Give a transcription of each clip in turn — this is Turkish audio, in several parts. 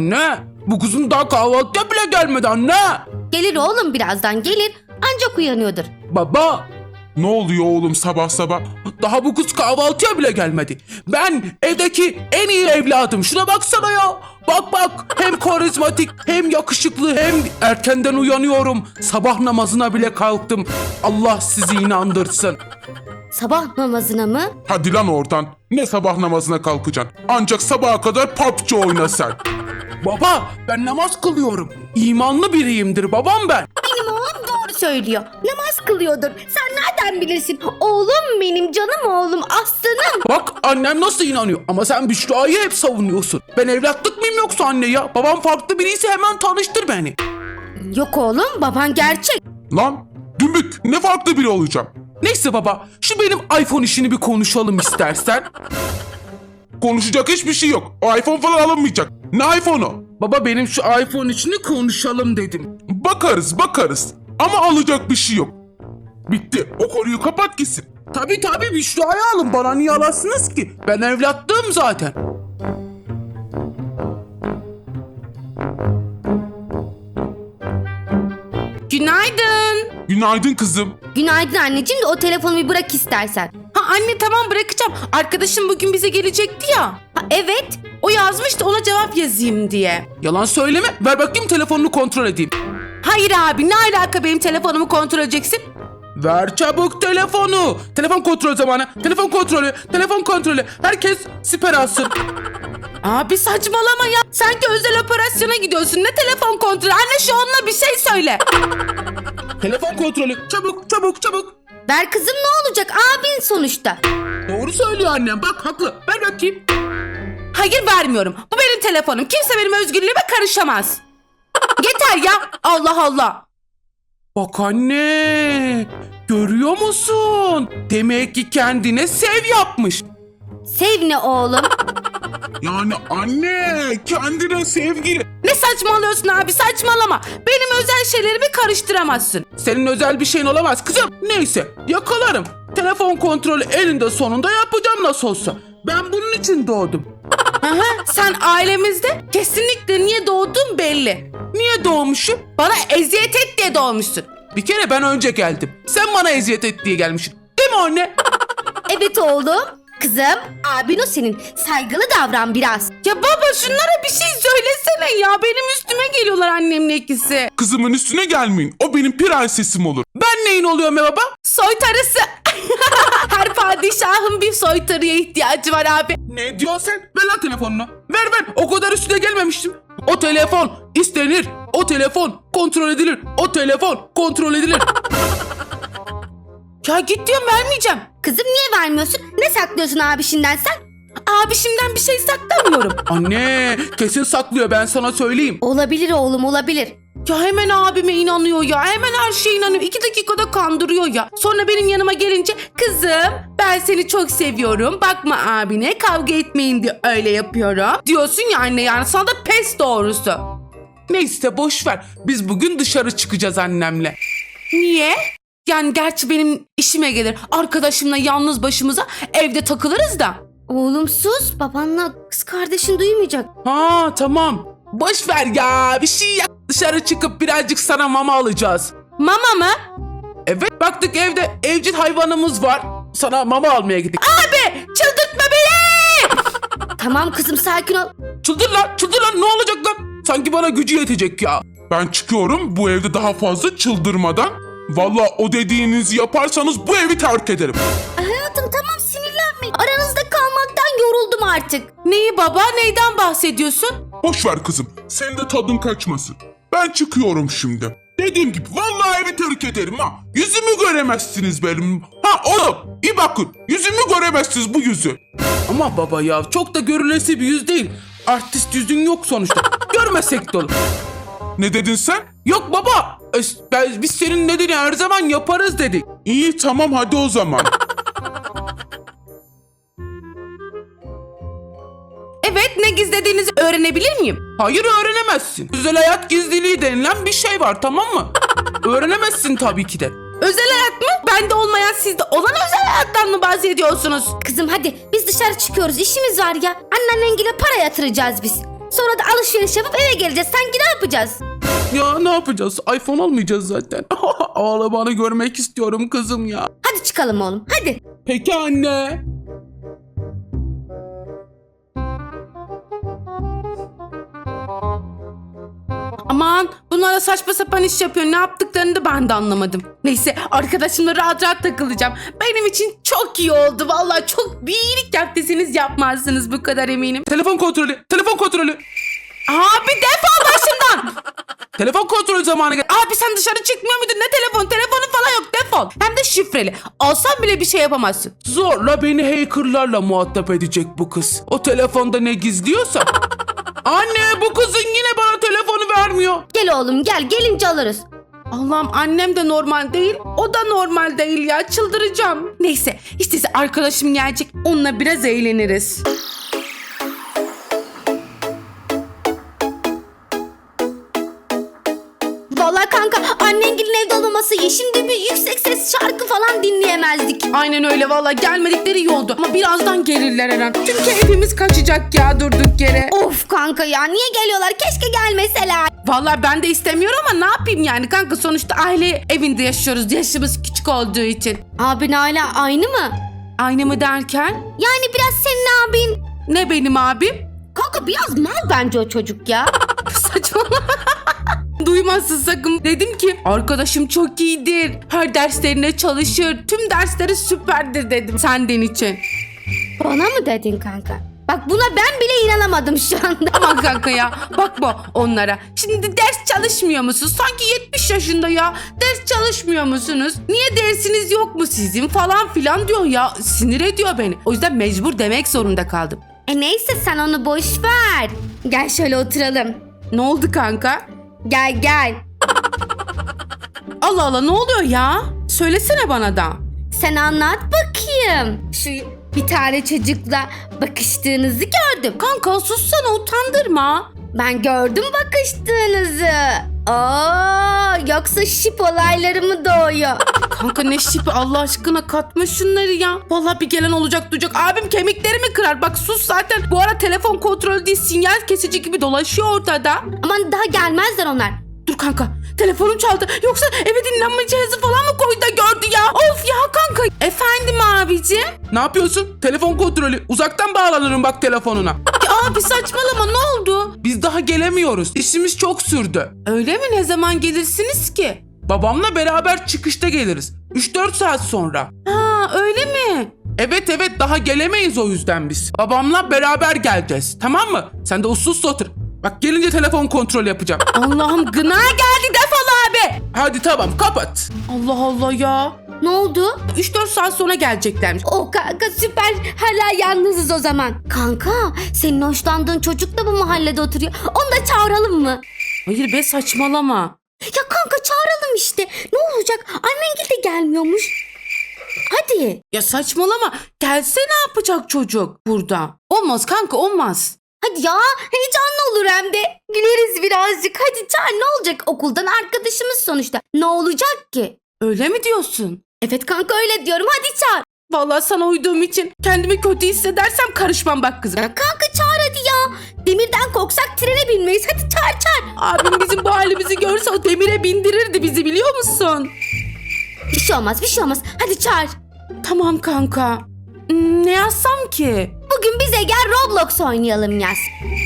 Anne, bu kızın daha kahvaltıya bile gelmedi anne. Gelir oğlum, birazdan gelir. Ancak uyanıyordur. Baba, Ne oluyor oğlum sabah sabah? daha bu kız kahvaltıya bile gelmedi. Ben evdeki en iyi evladım. Şuna baksana ya. Bak bak, hem karizmatik hem yakışıklı hem erkenden uyanıyorum. Sabah namazına bile kalktım. Allah sizi inandırsın. Sabah namazına mı? Hadi lan oradan. Ne sabah namazına kalkacaksın? Ancak sabaha kadar PUBG oyna sen. Baba, ben namaz kılıyorum. İmanlı biriyimdir babam ben. Benim oğlum doğru söylüyor. Namaz kılıyordur. Sen nereden bilirsin? Oğlum benim, canım oğlum, aslanım. Bak annem nasıl inanıyor ama sen Büşra'yı hep savunuyorsun. Ben evlatlık mıyım yoksa anne ya? Babam farklı biriyse hemen tanıştır beni. Yok oğlum, baban gerçek. Lan dümbük ne farklı biri olacağım. Neyse baba, şu benim iPhone işini bir konuşalım istersen. Konuşacak hiçbir şey yok. O iPhone falan alınmayacak. Ne iPhone'u? Baba, benim şu iPhone işini konuşalım dedim. Bakarız. Ama alacak bir şey yok. Bitti. O konuyu kapat gitsin. Tabii Büşra'yı alın, bana niye alasınız ki? Ben evlatlığım zaten. Günaydın. Günaydın kızım. Günaydın anneciğim, de o telefonu bir bırak istersen. Ha anne, tamam bırakacağım. Arkadaşım bugün bize gelecekti ya. Ha, evet. O yazmıştı, ona cevap yazayım diye. Yalan söyleme, ver bakayım telefonunu kontrol edeyim. Hayır abi, ne alaka benim telefonumu kontrol edeceksin? Ver çabuk telefonu. Telefon kontrol zamanı. Telefon kontrolü. Herkes siper alsın. Abi saçmalama ya. Sanki özel operasyona gidiyorsun. Ne telefon kontrolü? Anne şu onunla bir şey söyle. Telefon kontrolü. Çabuk. Ver kızım, ne olacak? Abin sonuçta. Doğru söylüyor annem. Bak haklı. Ver bakayım. Hayır, vermiyorum. Bu benim telefonum. Kimse benim özgürlüğüme karışamaz. Yeter ya. Allah Allah. Bak anne. Görüyor musun? Demek ki kendine sev yapmış. Sev ne oğlum? Yani anne kendine sevgili. Ne saçmalıyorsun abi, saçmalama. Benim özel şeylerimi karıştıramazsın. Senin özel bir şeyin olamaz kızım. Neyse, yakalarım. Telefon kontrolü eninde sonunda yapacağım nasıl olsa. Ben bunun için doğdum. Aha, sen ailemizde kesinlikle niye doğdun belli. Niye doğmuşum? Bana eziyet et diye doğmuşsun. Bir kere ben önce geldim. Sen bana eziyet et diye gelmişsin. Değil mi anne? Evet oğlum. Kızım, abin o senin. Saygılı davran biraz. Ya baba, şunlara bir şey söylesene ya. Benim üstüme geliyorlar annemle ikisi. Kızımın üstüne gelmeyin. O benim prensesim olur. Ben neyin oluyorum ya baba? Soytarısı. Her padişahın bir soytarıya ihtiyacı var abi. Ne diyorsun sen? Ver lan telefonunu. Ver. O kadar üstüne gelmemiştim. O telefon istenir. O telefon kontrol edilir. O telefon kontrol edilir. Ya git diyorum, vermeyeceğim. Kızım, niye vermiyorsun? Ne saklıyorsun abişinden sen? Abişimden bir şey saklamıyorum. Anne, kesin saklıyor, ben sana söyleyeyim. Olabilir oğlum, olabilir. Ya hemen abime inanıyor ya. Hemen her şeye inanıyor. 2 dakikada kandırıyor ya. Sonra benim yanıma gelince kızım ben seni çok seviyorum. Bakma abine, kavga etmeyin diye öyle yapıyorum. Diyorsun ya anne, yani sana da pes doğrusu. Neyse boş ver. Biz bugün dışarı çıkacağız annemle. Niye? Yani gerçi benim işime gelir. Arkadaşımla yalnız başımıza evde takılırız da. Oğlum sus, babanla kız kardeşin duymayacak. Ha tamam. Boş ver ya, bir şey yap. Dışarı çıkıp birazcık sana mama alacağız. Mama mı? Evet, baktık evde evcil hayvanımız var. Sana mama almaya gittik. Abi çıldırtma beni! Tamam kızım, sakin ol. Çıldır lan, ne olacak lan? Sanki bana gücü yetecek ya. Ben çıkıyorum bu evde daha fazla çıldırmadan. Vallahi o dediğinizi yaparsanız bu evi terk ederim. Hayatım tamam, sinirlenme. Aranızda kalmaktan yoruldum artık. Neyi baba? Neyden bahsediyorsun? Boş ver kızım. Senin de tadın kaçmasın. Ben çıkıyorum şimdi. Dediğim gibi vallahi evi terk ederim ha. Yüzümü göremezsiniz benim. Ha oğlum bir bakın. Yüzümü göremezsiniz, bu yüzü. Ama baba ya, çok da görülesi bir yüz değil. Artist yüzün yok sonuçta. Görmesek de olur. Ne dedin sen? Yok baba. Biz senin dediğini her zaman yaparız dedik. İyi tamam hadi o zaman. Evet, ne gizlediğinizi öğrenebilir miyim? Hayır, öğrenemezsin. Özel hayat gizliliği denilen bir şey var, tamam mı? Öğrenemezsin tabii ki de. Özel hayat mı? Bende olmayan sizde olan özel hayattan mı bahsediyorsunuz? Kızım hadi, biz dışarı çıkıyoruz, işimiz var ya. Annenle para yatıracağız biz. Sonra da alışveriş yapıp eve geleceğiz. Sanki ne yapacağız? Ya ne yapacağız? iPhone almayacağız zaten. Ağlamanı görmek istiyorum kızım ya. Hadi çıkalım oğlum. Hadi. Peki anne. Aman bunlara saçma sapan iş yapıyor. Ne yaptıklarını da ben de anlamadım. Neyse arkadaşımla rahat rahat takılacağım. Benim için çok iyi oldu. Vallahi çok bir iyilik yaptıysanız yapmazsınız bu kadar eminim. Telefon kontrolü. Telefon kontrolü. Abi defol başımdan. Telefon kontrolü zamanı geldi. Abi sen dışarı çıkmıyor muydun? Ne telefon? Telefonun falan yok, defol. Hem de şifreli. Alsan bile bir şey yapamazsın. Zorla beni hackerlarla muhatap edecek bu kız. O telefonda ne gizliyorsa. Anne bu kızın yine bana telefonu vermiyor. Gel oğlum gel. Gelince alırız. Allah'ım annem de normal değil. O da normal değil ya. Çıldıracağım. Neyse işte arkadaşım gelecek. Onunla biraz eğleniriz. Vallahi kanka annengilin evde olmaması iyi. Şimdi bir yüksek ses şarkı falan dinleyemezdik. Aynen öyle vallahi gelmedikleri iyi oldu. Ama birazdan gelirler her an. Çünkü hepimiz kaçacak ya durduk yere. Of kanka ya niye geliyorlar? Keşke gelmeseler. Vallahi ben de istemiyorum ama ne yapayım yani kanka, sonuçta aile evinde yaşıyoruz. Yaşımız küçük olduğu için. Abin hala aynı mı? Aynı mı derken? Yani biraz senin abin. Ne benim abim? Kanka biraz mal bence o çocuk ya. Saçmalama. Duymazsın sakın. Dedim ki arkadaşım çok iyidir. Her derslerine çalışır. Tüm dersleri süperdir dedim senden için. Bana mı dedin kanka? Bak buna ben bile inanamadım şu anda. Aman kanka ya bakma onlara. Şimdi ders çalışmıyor musunuz? Sanki 70 yaşında ya. Ders çalışmıyor musunuz? Niye dersiniz yok mu sizin falan filan diyor ya. Sinir ediyor beni. O yüzden mecbur demek zorunda kaldım. Neyse sen onu boş ver. Gel şöyle oturalım. Ne oldu kanka? Gel gel. Allah Allah ne oluyor ya? Söylesene bana da. Sen anlat bakayım. Şu bir tane çocukla bakıştığınızı gördüm. Kanka sussana, utandırma. Ben gördüm bakıştığınızı. Yoksa şip olayları mı doğuyor? Kanka ne şipi Allah aşkına, katma şunları ya. Vallahi bir gelen olacak duyacak. Abim kemiklerimi kırar. Bak sus zaten. Bu ara telefon kontrolü değil, sinyal kesici gibi dolaşıyor ortada. Aman daha gelmezler onlar. Dur kanka, telefonum çaldı. Yoksa eve dinlenme cihazı falan mı koydu da gördü ya? Of ya kanka. Efendim abicim? Ne yapıyorsun? Telefon kontrolü. Uzaktan bağlanırım bak telefonuna. Ya abi saçmalama, ne oldu? Biz daha gelemiyoruz. İşimiz çok sürdü. Öyle mi? Ne zaman gelirsiniz ki? Babamla beraber çıkışta geliriz. 3-4 saat sonra. Ha öyle mi? Evet daha gelemeyiz o yüzden biz. Babamla beraber geleceğiz. Tamam mı? Sen de uslu otur. Bak gelince telefon kontrol yapacağım. Allah'ım gına geldi, defol abi. Hadi tamam kapat. Allah Allah ya. Ne oldu? 3-4 saat sonra geleceklermiş. O kanka süper. Hala yalnızız o zaman. Kanka senin hoşlandığın çocuk da bu mahallede oturuyor. Onu da çağıralım mı? Hayır be, saçmalama. Ya kanka çağıralım işte. Ne olacak? Annengil de gelmiyormuş. Hadi. Ya saçmalama. Gelse ne yapacak çocuk burada? Olmaz kanka, olmaz. Hadi ya heyecanlı olur hem de. Güleriz birazcık. Hadi çağır, ne olacak? Okuldan arkadaşımız sonuçta. Ne olacak ki? Öyle mi diyorsun? Evet kanka öyle diyorum. Hadi çağır. Vallahi sana uyduğum için kendimi kötü hissedersem karışmam bak kızım. Ya kanka çağır hadi ya. Demirden korksak trene binmeyiz. Hadi çağır. Abim bizim bu halimizi görse o demire bindirirdi bizi, biliyor musun? Bir şey olmaz. Hadi çağır. Tamam kanka. Ne yazsam ki? Bugün bize gel Roblox oynayalım yaz.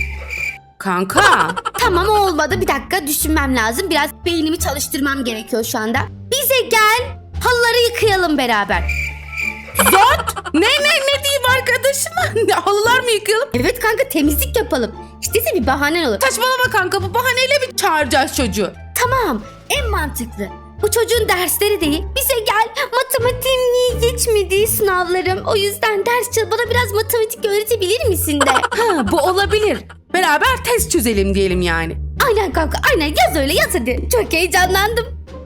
Kanka. Tamam olmadı. Bir dakika düşünmem lazım. Biraz beynimi çalıştırmam gerekiyor şu anda. Bize gel halıları yıkayalım beraber. Zot. Ne diyeyim arkadaşıma? Halılar mı yıkayalım? Evet kanka temizlik yapalım. İşte bir bahanen olur. Saçmalama kanka, bu bahaneyle mi çağıracağız çocuğu? Tamam en mantıklı. Bu çocuğun dersleri değil. Bize gel. Matematiğim niye geçmedi sınavlarım. O yüzden ders çal. Bana biraz matematik öğretebilir misin de. Ha, bu olabilir. Beraber test çözelim diyelim yani. Aynen kanka aynen yaz öyle yaz hadi. Çok heyecanlandım.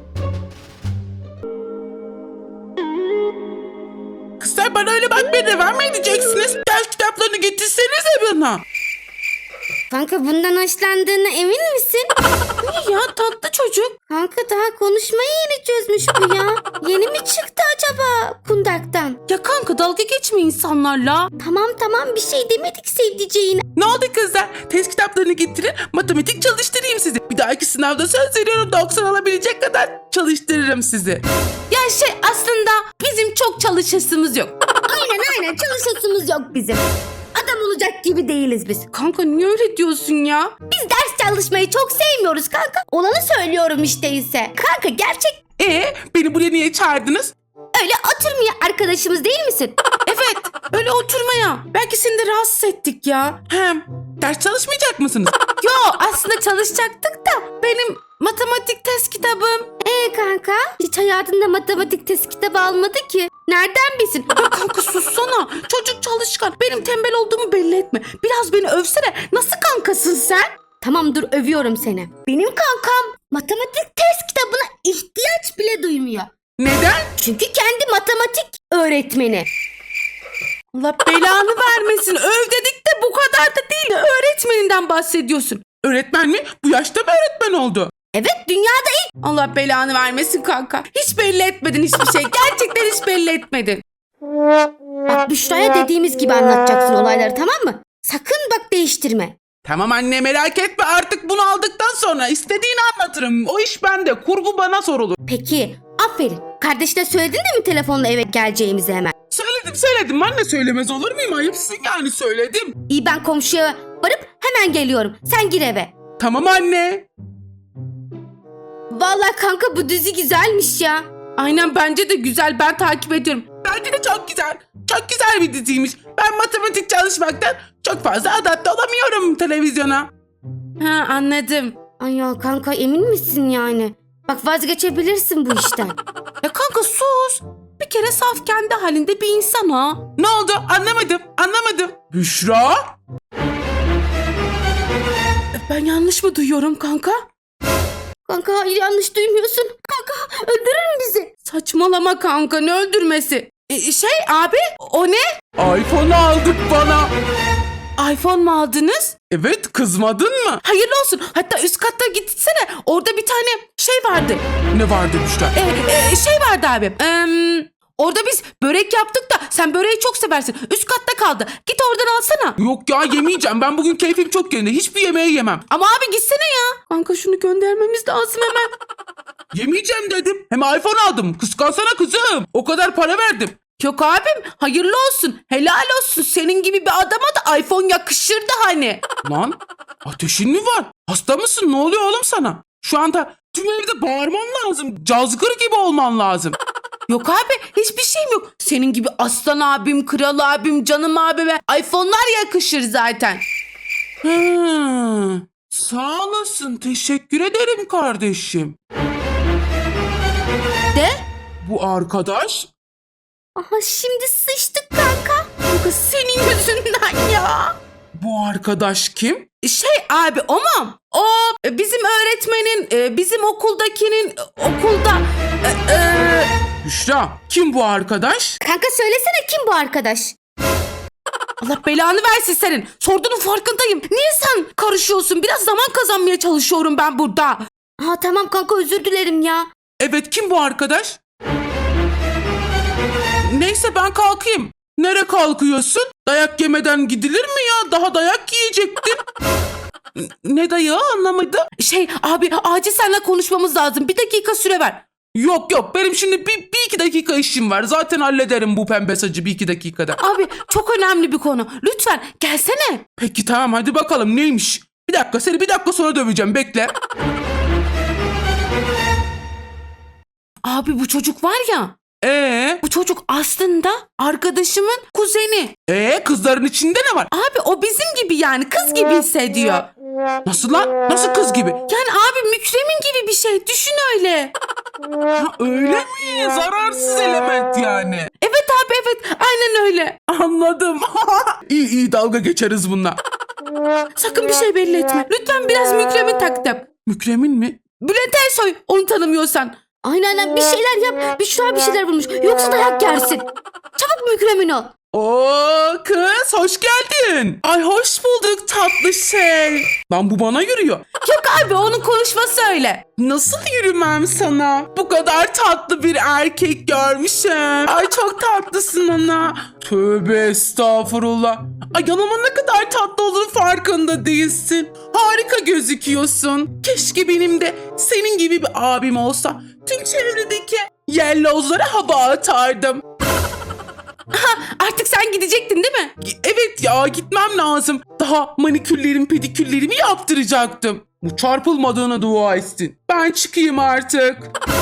Kızlar bana öyle bakmaya devam mı edeceksiniz? Ders kitaplarını getirsenize bana. Kanka bundan hoşlandığına emin misin? Ya tatlı çocuk. Kanka daha konuşmayı yeni çözmüş bu ya. Yeni mi çıktı acaba kundaktan? Ya kanka dalga geçme insanlarla. Tamam bir şey demedik sevdiceğine. Ne oldu kızlar? Test kitaplarını getirin, matematik çalıştırayım sizi. Bir dahaki sınavda söz veriyorum 90 alabilecek kadar çalıştırırım sizi. Ya aslında bizim çok çalışasımız yok. Aynen çalışasımız yok bizim. Adam olacak gibi değiliz biz. Kanka niye öyle diyorsun ya? Biz ders çalışmayı çok sevmiyoruz kanka. Olanı söylüyorum işte ise. Kanka gerçek Beni buraya niye çağırdınız? öyle oturmaya arkadaşımız değil misin? Evet, öyle oturmaya. Belki seni de rahatsız ettik ya. Hem ders çalışmayacak mısınız? Yo, aslında çalışacaktık da benim matematik test kitabım. Kanka hiç hayatında matematik test kitabı almadı ki. Nereden bilsin? Ya kanka sussana. Çocuk çalışkan. Benim tembel olduğumu belli etme. Biraz beni övsene. Nasıl kankasın sen? Tamam dur övüyorum seni. Benim kankam matematik test kitabına ihtiyaç bile duymuyor. Neden? Çünkü kendi matematik öğretmeni. Allah belanı vermesin. Öv dedik de bu kadar da değil. Öğretmeninden bahsediyorsun. Öğretmen mi? Bu yaşta mı öğretmen oldu? Evet dünyada ilk. Allah belanı vermesin kanka. Hiç belli etmedin hiçbir şey. Gerçekten hiç belli etmedin. Bak Büşra'ya dediğimiz gibi anlatacaksın olayları tamam mı? Sakın bak değiştirme. Tamam anne merak etme artık bunu aldıktan sonra istediğini anlatırım. O iş bende. Kurgu bana sorulur. Peki aferin. Kardeşine söyledin de mi telefonla eve geleceğimizi hemen? Söyledim anne söylemez olur muyum? Ayıpsın yani söyledim. İyi ben komşuya varıp hemen geliyorum. Sen gir eve. Tamam anne. Vallahi kanka bu dizi güzelmiş ya. Aynen bence de güzel. Ben takip ediyorum. Bence de çok güzel. Çok güzel bir diziymiş. Ben matematik çalışmaktan çok fazla adapte olamıyorum televizyona. Ha anladım. Ay ya kanka emin misin yani? Bak vazgeçebilirsin bu işten. Ya kanka sus. Bir kere saf kendi halinde bir insan ha. Ne oldu? Anlamadım. Büşra? Ben yanlış mı duyuyorum kanka? Kanka hayır yanlış duymuyorsun. Kanka öldürür bizi. Saçmalama kanka ne öldürmesi? Abi o ne? iPhone aldık bana. iPhone mu aldınız? Evet kızmadın mı? Hayırlı olsun. Hatta üst katta gitsene. Orada bir tane şey vardı. Ne vardı Büşra? Şey vardı abi. Orada biz börek yaptık da sen böreği çok seversin. Üst katta kaldı. Git oradan alsana. Yok ya yemeyeceğim. Ben bugün keyfim çok yerinde. Hiçbir yemeği yemem. Ama abi gitsene ya. Kanka şunu göndermemiz lazım hemen. Yemeyeceğim dedim. Hem iPhone aldım. Kıskansana kızım. O kadar para verdim. Yok abim hayırlı olsun. Helal olsun. Senin gibi bir adama da iPhone yakışırdı hani. Lan ateşin mi var? Hasta mısın? Ne oluyor oğlum sana? Şu anda tüm evde bağırman lazım. Cazgır gibi olman lazım. Yok abi hiçbir şeyim yok. Senin gibi aslan abim, kral abim, canım abime iPhone'lar yakışır zaten. Sağ olasın. Teşekkür ederim kardeşim. De? Bu arkadaş Aha şimdi sıçtık kanka. Kanka senin yüzünden ya. bu arkadaş kim? Abi o mu? O bizim öğretmenin, bizim okuldakinin okulda... Büşra kim bu arkadaş? Kanka söylesene kim bu arkadaş? Allah belanı versin senin. Sorduğunun farkındayım. Niye sen karışıyorsun? Biraz zaman kazanmaya çalışıyorum ben burada. Aha tamam kanka özür dilerim ya. Evet kim bu arkadaş? Neyse ben kalkayım. Nereye kalkıyorsun? Dayak yemeden gidilir mi ya? Daha dayak yiyecektin. Ne dayağı anlamadım. Abi acil seninle konuşmamız lazım. Bir dakika süre ver. Yok benim şimdi bir iki dakika işim var. Zaten hallederim bu pembe saçı bir iki dakikada. Abi çok önemli bir konu. Lütfen gelsene. Peki tamam hadi bakalım neymiş? Bir dakika seni bir dakika sonra döveceğim bekle. Abi bu çocuk var ya. Ee Bu çocuk aslında arkadaşımın kuzeni. kızların içinde ne var? Abi o bizim gibi yani kız gibi hissediyor. Nasıl lan? Nasıl kız gibi? Yani abi Mükremin gibi bir şey. Düşün öyle. Ha, öyle mi? Zararsız element yani. Evet abi evet. Aynen öyle. Anladım. iyi dalga geçeriz bununla. Sakın bir şey belli etme. Lütfen biraz Mükremin taklidi. Mükremin mi? Bülent Ersoy onu tanımıyorsan. Aynen bir şeyler yap. Büşra bir şeyler bulmuş. Yoksa dayak yersin. Çabuk Mükremin ol. Oo kız hoş geldin. Ay hoş bulduk tatlı şey. Lan bu bana yürüyor. Yok abi onun konuşması öyle. Nasıl yürümem sana? Bu kadar tatlı bir erkek görmüşüm. Ay çok tatlısın ana. Tövbe estağfurullah. Ay yanıma ne kadar tatlı olduğunu farkında değilsin. Harika gözüküyorsun. Keşke benim de senin gibi bir abim olsa. Tüm çevredeki yellozlara hava atardım. Artık sen gidecektin değil mi? Evet ya gitmem lazım. Daha manikürlerimi pedikürlerimi yaptıracaktım. Bu çarpılmadığına dua etsin. Ben çıkayım artık.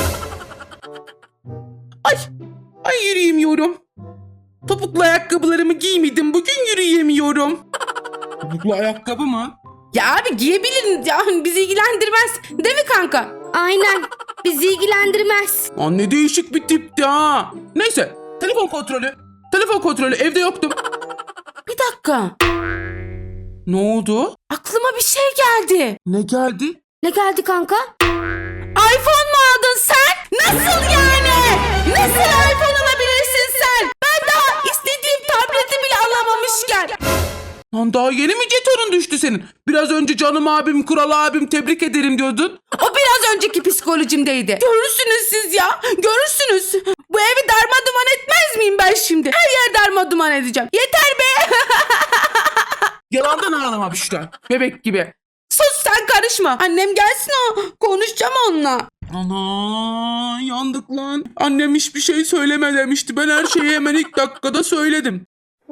Ay yürüyemiyorum. Topuklu ayakkabılarımı giymedim. Bugün yürüyemiyorum. Topuklu ayakkabı mı? Ya abi giyebiliriz ya bizi ilgilendirmez. Değil mi kanka? Aynen. Bizi ilgilendirmez. Lan ne değişik bir tipti ha. Neyse telefon kontrolü. Telefon kontrolü evde yoktum. Bir dakika. Ne oldu? Aklıma bir şey geldi. Ne geldi? Ne geldi kanka? iPhone mu aldın sen? Nasıl yani? Nasıl iPhone alabilirsin sen? Ben daha istediğim tableti bile alamamışken. Lan daha yeni mi jetonun düştü senin? Biraz önce canım abim, kural abim tebrik ederim diyordun. O biraz önceki psikolojimdeydi. Görürsünüz siz ya. Görürsünüz. Bu evi darmaduman etmez miyim ben şimdi? Her yer darmaduman edeceğim. Yeter be. Yalandan ağlama Büşra. Bebek gibi. Sus sen karışma. Annem gelsin konuşacağım onunla. Ana yandık lan. Annem hiçbir şey söyleme demişti. Ben her şeyi hemen ilk dakikada söyledim.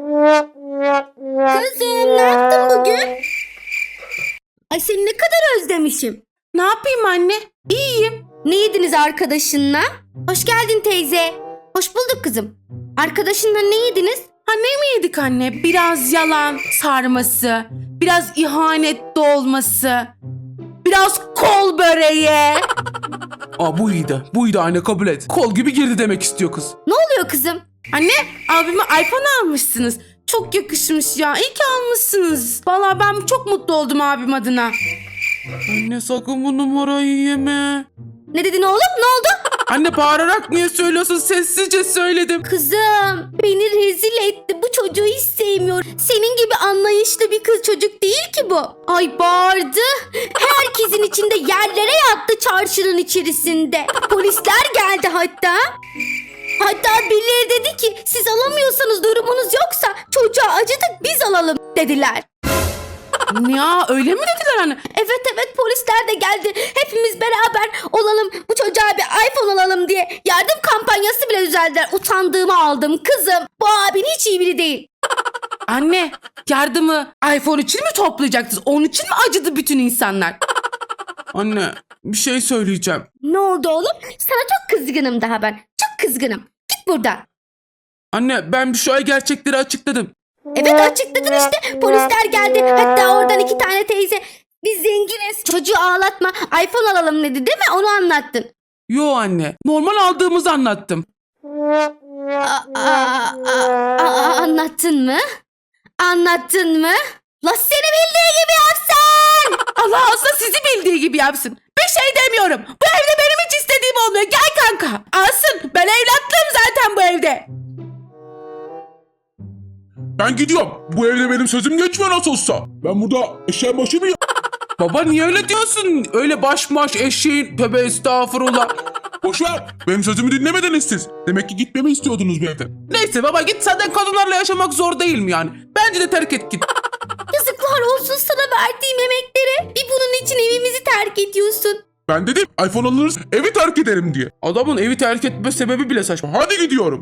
Kızım ne yaptın bugün? Ay seni ne kadar özlemişim. Ne yapayım anne? İyiyim. Ne yediniz arkadaşınla? Hoş geldin teyze. Hoş bulduk kızım. Arkadaşınla ne yediniz? Ha ne mi yedik anne? Biraz yalan sarması. Biraz ihanet dolması. Biraz kol böreği. Aa bu iyiydi. Bu iyiydi anne kabul et. Kol gibi girdi demek istiyor kız. Ne oluyor kızım? Anne abime iPhone almışsınız. Çok yakışmış ya. İyi ki almışsınız. Vallahi ben çok mutlu oldum abim adına. Anne sakın bu numarayı yeme. Ne dedin oğlum? Ne oldu? Anne bağırarak niye söylüyorsun? Sessizce söyledim. Kızım beni rezil etti. Bu çocuğu hiç sevmiyorum. Senin gibi anlayışlı bir kız çocuk değil ki bu. Ay bağırdı. Herkesin içinde yerlere yattı çarşının içerisinde. Polisler geldi hatta. Hatta birileri dedi ki siz alamıyorsanız durumunuz yoksa çocuğa acıdık biz alalım dediler. Ya öyle mi dediler anne? Evet polisler de geldi. Hepimiz beraber olalım bu çocuğa bir iPhone alalım diye yardım kampanyası bile düzenlediler. Utandığımı aldım kızım. Bu abin hiç iyi biri değil. Anne yardımı iPhone için mi toplayacaktınız? Onun için mi acıdı bütün insanlar? Anne bir şey söyleyeceğim. Ne oldu oğlum? Sana çok kızgınım daha ben. Çok kızgınım. Git buradan. Anne ben şu ay gerçekleri açıkladım. Evet açıkladın işte. Polisler geldi. Hatta oradan 2 tane teyze. Biz zenginiz. Çocuğu ağlatma. iPhone alalım dedi değil mi? Onu anlattın. Yo anne. Normal aldığımızı anlattım. Anlattın mı? Anlattın mı? La seni bildiği gibi yapsın. Allah olsa sizi bildiği gibi yapsın. Bir şey demiyorum. Bu evde benim hiç istediğim olmuyor. Gel kanka. Alsın. Ben evlatlığım zaten bu evde. Ben gidiyorum. Bu evde benim sözüm geçmiyor nasıl olsa. Ben burada eşeğin başı mıyım? Baba niye öyle diyorsun? Öyle baş eşeğin. Tövbe estağfurullah. Boşver. Benim sözümü dinlemediniz siz. Demek ki gitmemi istiyordunuz bu evden. Neyse baba git zaten kadınlarla yaşamak zor değil mi yani? Bence de terk et git. Yazıklar olsun sana verdiğim emeklere. Bir bunun için evimizi terk ediyorsun. Ben dedim iPhone alırız evi terk ederim diye. Adamın evi terk etme sebebi bile saçma. Hadi gidiyorum.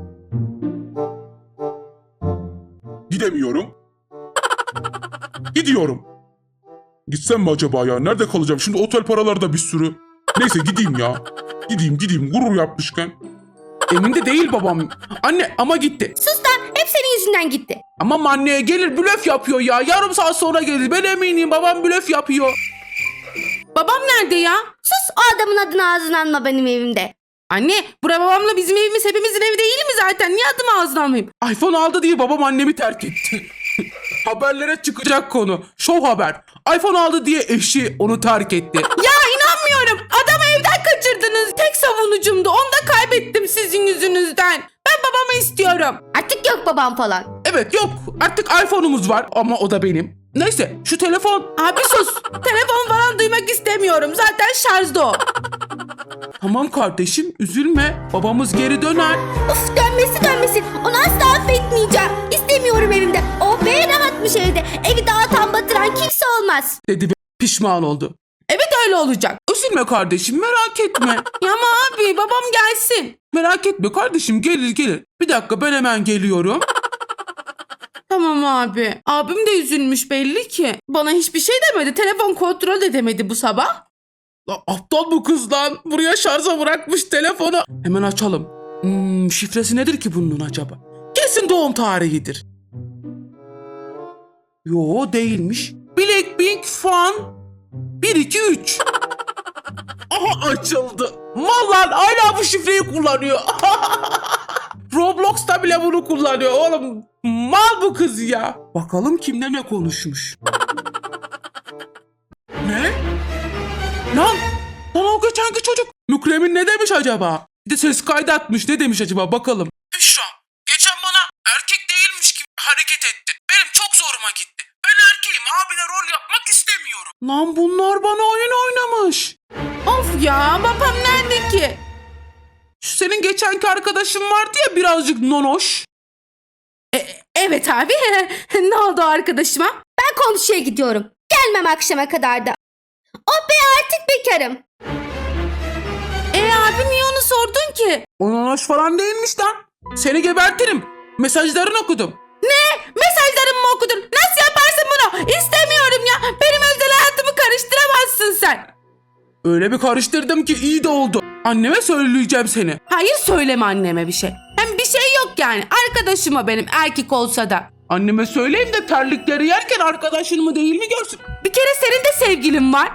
Gidemiyorum. Gidiyorum. Gitsem mi acaba ya? Nerede kalacağım? Şimdi otel paraları da bir sürü. Neyse gideyim ya. Gideyim gurur yapmışken. Emin de değil babam. Anne ama gitti. Sus lan hep senin yüzünden gitti. Ama anneye gelir blöf yapıyor ya. Yarım saat sonra gelir. Ben eminim babam blöf yapıyor. Babam nerede ya? Sus o adamın adını ağzına alma benim evimde. Anne bura babamla bizim evimiz hepimizin evi değil mi zaten? Niye adımı ağzına almayayım? iPhone aldı diye babam annemi terk etti. Haberlere çıkacak konu. Show haber. iPhone aldı diye eşi onu terk etti. Ya inanmıyorum. Adamı evden kaçırdınız. Tek savunucumdu. Onu da kaybettim sizin yüzünüzden. Ben babamı istiyorum. Artık yok babam falan. Evet yok artık iPhone'umuz var ama o da benim. Neyse şu telefon. Abi sus. Telefon falan duymak istemiyorum. Zaten şarjda o. Tamam kardeşim üzülme babamız geri döner. Uf dönmesin. Onu asla affetmeyeceğim. İstemiyorum evimde. Oh be rahatmış evde. Evi dağıtan batıran kimse olmaz. Dedi ve pişman oldu. Evet öyle olacak. Üzülme kardeşim merak etme. Ya ama abi babam gelsin. Merak etme kardeşim gelir. Bir dakika ben hemen geliyorum. Tamam abi. Abim de üzülmüş belli ki. Bana hiçbir şey demedi. Telefon kontrol edemedi bu sabah. Aptal bu kız lan. Buraya şarja bırakmış telefonu. Hemen açalım. Şifresi nedir ki bunun acaba? Kesin doğum tarihidir. Yo değilmiş. Blackpink fan 1 2 3. Aha açıldı. Mallar hala bu şifreyi kullanıyor. Roblox'ta bile bunu kullanıyor oğlum. Mal bu kız ya. Bakalım kimle ne konuşmuş. Ne? Lan o geçenki çocuk. Mükremin ne demiş acaba? Bir de ses kaydı atmış. Ne demiş acaba bakalım. Büşra geçen bana erkek değilmiş gibi hareket ettin. Benim çok zoruma gitti. Ben erkeğim abine rol yapmak istemiyorum. Lan bunlar bana oyun oynamış. Of ya babam nerede ki? Şu senin geçenki arkadaşın vardı ya birazcık nonoş. Evet abi. Ne oldu arkadaşıma? Ben komşuya gidiyorum. Gelmem akşama kadar da. Oh be artık bekarım. Abi niye onu sordun ki? O nonoş falan değilmiş lan. Seni gebertirim. Mesajlarını okudum. Mesajlarımı mı okudun? Nasıl yaparsın bunu? İstemiyorum ya. Benim özel hayatımı karıştıramazsın sen. Öyle bir karıştırdım ki iyi de oldu. Anneme söyleyeceğim seni. Hayır söyleme anneme bir şey. Hem bir şey yok yani. Arkadaşım o benim erkek olsa da. Anneme söyleyeyim de terlikleri yerken arkadaşın mı değil mi görsün. Bir kere senin de sevgilin var.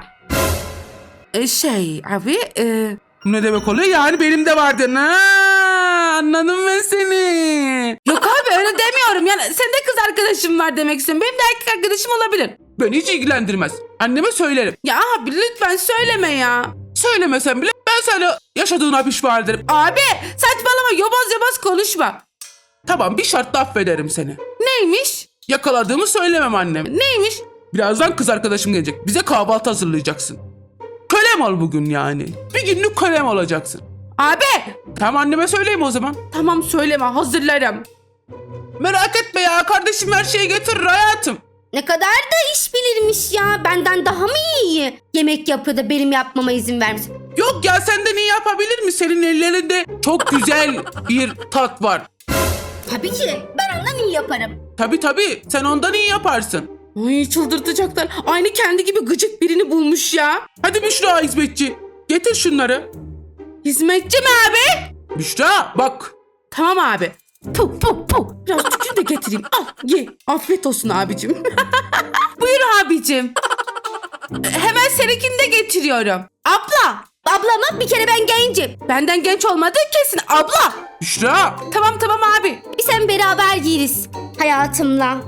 Abi Ne demek oluyor? Yani benim de vardı. Ha, anladım ben seni. yok abi öyle demiyorum. Yani senin de kız arkadaşın var demek istiyorum. Benim de erkek arkadaşım olabilir. Beni hiç ilgilendirmez. Anneme söylerim. Ya abi lütfen söyleme ya. Söylemesem bile ben sana yaşadığına pişman ederim. Abi saçmalama yobaz konuşma. Tamam bir şartla affederim seni. Neymiş? Yakaladığımı söylemem anneme. Neymiş? Birazdan kız arkadaşım gelecek. Bize kahvaltı hazırlayacaksın. Kölem ol bugün yani. Bir günlük kölem olacaksın. Abi Tamam anneme söyleyeyim o zaman. tamam söyleme hazırlarım. Merak etme ya kardeşim her şeyi getirir hayatım. Ne kadar da iş bilirmiş ya. Benden daha mı iyi? Yemek yapıyor da benim yapmama izin vermiş. Yok ya senden iyi yapabilir mi? Senin ellerinde çok güzel bir tat var. Tabii ki. Ben ondan iyi yaparım. Tabii sen ondan iyi yaparsın. Ay çıldırtacaklar. Aynı kendi gibi gıcık birini bulmuş ya. Hadi Büşra hizmetçi. Getir şunları. Hizmetçi mi abi? Büşra bak. Tamam abi. Puh. Biraz tükür de getireyim. Al ye. Afiyet olsun abicim. Buyur abicim. Hemen seninkini de getiriyorum. Abla. Ablamla bir kere ben gencim. Benden genç olmadığı kesin abla. Büşra. Tamam abi. Biz hem beraber yeriz hayatımla.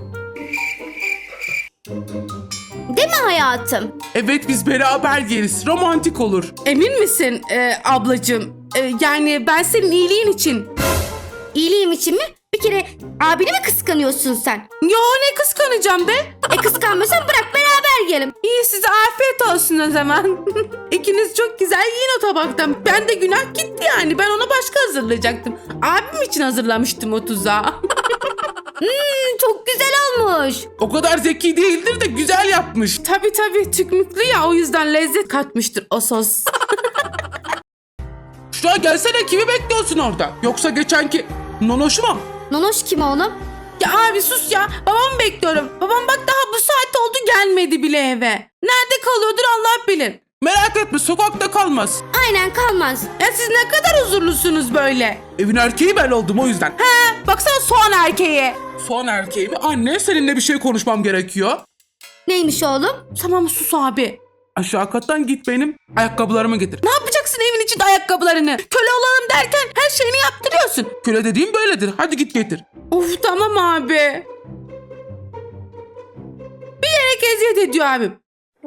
Değil mi hayatım? Evet biz beraber yeriz. Romantik olur. Emin misin ablacığım? Yani ben senin iyiliğin için. İyiliğim için mi? Bir kere abini mi kıskanıyorsun sen? Yo ne kıskanacağım be? Kıskanmıyorsan bırak beraber yiyelim. İyi size afiyet olsun o zaman. İkiniz çok güzel yiyin o tabaktan. Ben de günah gitti yani. Ben ona başka hazırlayacaktım. Abim için hazırlamıştım o tuzağı. Çok güzel olmuş. O kadar zeki değildir de güzel yapmış. Tabii tükmüklü ya o yüzden lezzet katmıştır o sos. Büşra gelsene kimi bekliyorsun orada? Yoksa geçenki nonoşu mu? Nonoş kim oğlum? Ya abi sus ya. Babamı bekliyorum. Babam bak daha bu saat oldu gelmedi bile eve. Nerede kalıyordur Allah bilir. Merak etme sokakta kalmaz. Aynen kalmaz. Ya siz ne kadar huzurlusunuz böyle. Evin erkeği ben oldum o yüzden. Baksana soğan erkeği. Son erkeğimi anne seninle bir şey konuşmam gerekiyor. Neymiş oğlum? Tamam sus abi. Aşağı kattan git benim ayakkabılarımı getir. Ne yapacaksın evin içinde ayakkabılarını? Köle olalım derken her şeyini yaptırıyorsun. Köle dediğim böyledir. Hadi git getir. Of tamam abi. Bilerek eziyet ediyor abim.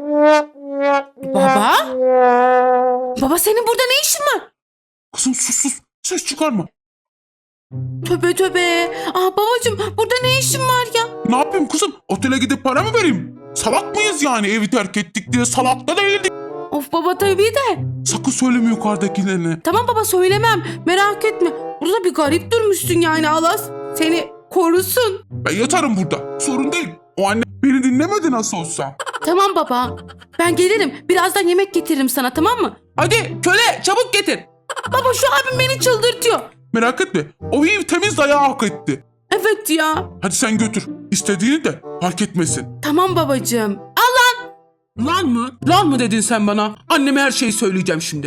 Baba? Baba senin burada ne işin var? Kızım sus. Ses çıkarma. Töbe töbe. Babacığım burada ne işin var ya? Ne yapayım kızım? Otele gidip para mı vereyim? Salak mıyız yani evi terk ettik diye? Salak da değildik. Of baba tabii de. Sakın söyleme yukarıdakilerine. Tamam baba söylemem. Merak etme. Burada bir garip durmuşsun yani Allah seni korusun. Ben yatarım burada. Sorun değil. O anne beni dinlemedi nasıl olsa. Tamam baba. Ben gelirim. Birazdan yemek getiririm sana tamam mı? Hadi köle çabuk getir. Baba şu abim beni çıldırtıyor. Merak etme. O ev temiz dayağı hak etti. Evet ya. Hadi sen götür. İstediğini de fark etmesin. Tamam babacığım. Lan mı? Lan mı dedin sen bana? Anneme her şeyi söyleyeceğim şimdi.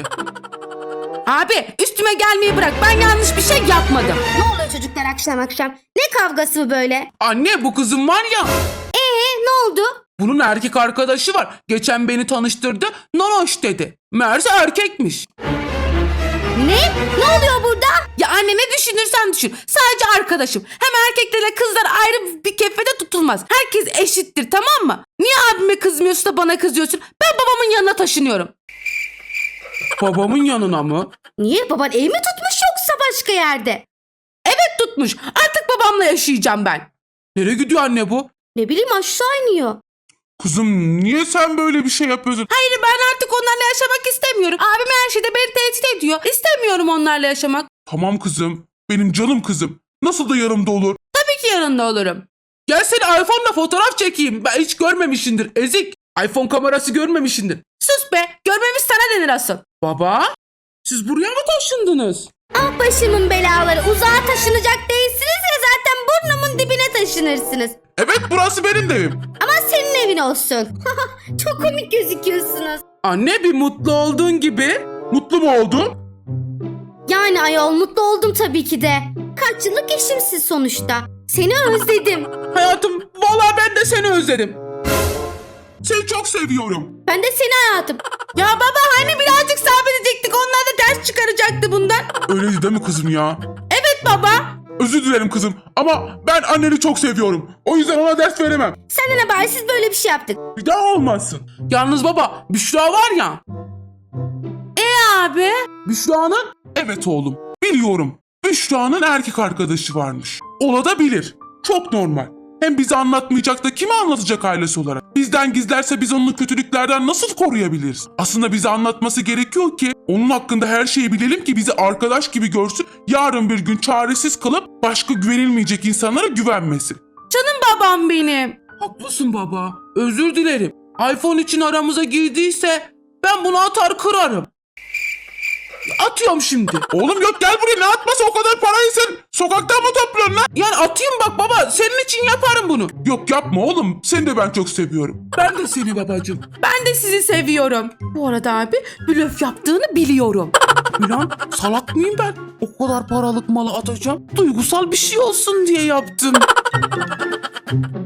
Abi üstüme gelmeyi bırak. Ben yanlış bir şey yapmadım. Ne oluyor çocuklar akşam akşam? Ne kavgası bu böyle? Anne bu kızım var ya. Ne oldu? Bunun erkek arkadaşı var. Geçen beni tanıştırdı. Nonoş dedi. Meğerse erkekmiş. Ne? Ne oluyor burada? Ya anne ne düşünürsen düşün. Sadece arkadaşım. Hem erkeklerle kızlar ayrı bir kefede tutulmaz. Herkes eşittir tamam mı? Niye abime kızmıyorsun da bana kızıyorsun? Ben babamın yanına taşınıyorum. Babamın yanına mı? Niye? Baban ev mi tutmuş yoksa başka yerde? Evet tutmuş. Artık babamla yaşayacağım ben. Nereye gidiyor anne bu? Ne bileyim aşağı iniyor. Kızım niye sen böyle bir şey yapıyorsun? Hayır ben artık onlarla yaşamak istemiyorum. Abim her şeyde beni tehdit ediyor. İstemiyorum onlarla yaşamak. Tamam kızım. Benim canım kızım. Nasıl da yanımda olur? Tabii ki yanında olurum. Gel seni iPhone'la fotoğraf çekeyim. Ben hiç görmemişindir ezik. iPhone kamerası görmemişindir. Sus be. Görmemiş sana denir asıl. Baba siz buraya mı taşındınız? Ah başımın belaları. Uzağa taşınacak değilsiniz ya zaten burnumun dibine taşınırsınız. Evet burası benim de evim. Ama senin evin olsun. Çok komik gözüküyorsunuz. Anne bir mutlu olduğun gibi. Mutlu mu oldun? Yani ayol mutlu oldum tabii ki de. Kaç yıllık eşimsin sonuçta. Seni özledim. Hayatım vallahi ben de seni özledim. Seni çok seviyorum. Ben de seni hayatım. Ya baba hani birazcık sabredecektik. Onlar da ders çıkaracaktı bundan. Öyleydi değil mi kızım ya? Evet baba. Özür dilerim kızım ama ben anneni çok seviyorum. O yüzden ona ders veremem. Senden habersiz böyle bir şey yaptık. Bir daha olmazsın. Yalnız baba Büşra var ya. Abi. Büşra'nın Evet oğlum. Biliyorum. Büşra'nın erkek arkadaşı varmış. Ola da bilir. Çok normal. Hem bize anlatmayacak da kime anlatacak ailesi olarak? Bizden gizlerse biz onu kötülüklerden nasıl koruyabiliriz? Aslında bize anlatması gerekiyor ki onun hakkında her şeyi bilelim ki bizi arkadaş gibi görsün. Yarın bir gün çaresiz kalıp başka güvenilmeyecek insanlara güvenmesin. Canım babam benim. haklısın baba. Özür dilerim. iPhone için aramıza girdiyse ben bunu atar kırarım. Atıyorum şimdi. Oğlum yok gel buraya ne atması o kadar parayı sen sokaktan mı topluyorsun lan? Yani atayım bak baba senin için yaparım bunu. Yok yapma oğlum seni de ben çok seviyorum. Ben de seni babacığım. Ben de sizi seviyorum. Bu arada abi blöf yaptığını biliyorum. Ulan salak mıyım ben? O kadar paralık malı atacağım. Duygusal bir şey olsun diye yaptım.